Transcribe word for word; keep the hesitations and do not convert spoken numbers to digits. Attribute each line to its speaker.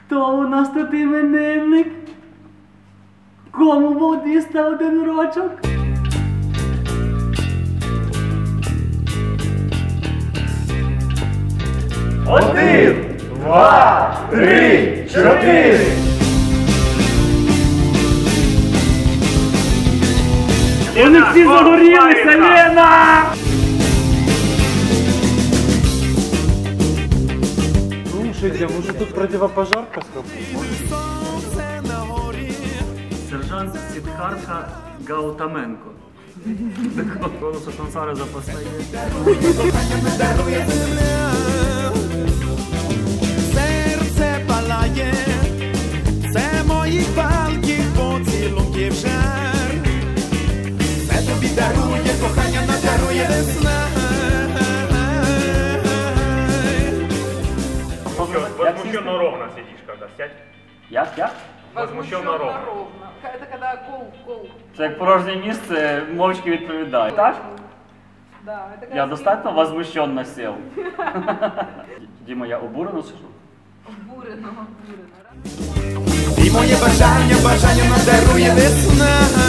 Speaker 1: Хто у нас тут іменинник? Кому водіста один рочок?
Speaker 2: Один, два, три, чотири.
Speaker 1: Вони всі загорілися, Лена!
Speaker 3: Слушайте, может тут противопожарка сработала?
Speaker 1: Сержант Сіддхартха Гаутаменко. Голосу Сансари запасає.
Speaker 4: Серце палає, це моїх палких поцілунків жар. Це тобі дарує, кохання надарує весна.
Speaker 2: Возмущенно ровно сидишь, когда сядь.
Speaker 1: Як, як?
Speaker 2: Возмущенно ровно.
Speaker 5: Это когда кол, кол.
Speaker 1: Це як порожнє місце, мовчки відповідає. Так?
Speaker 5: Да, это когда
Speaker 1: Я достатньо возмущенно сів. Діма, я обурено сижу?
Speaker 5: Бурено, бурено.
Speaker 4: І моє бажання, бажання надарує весна.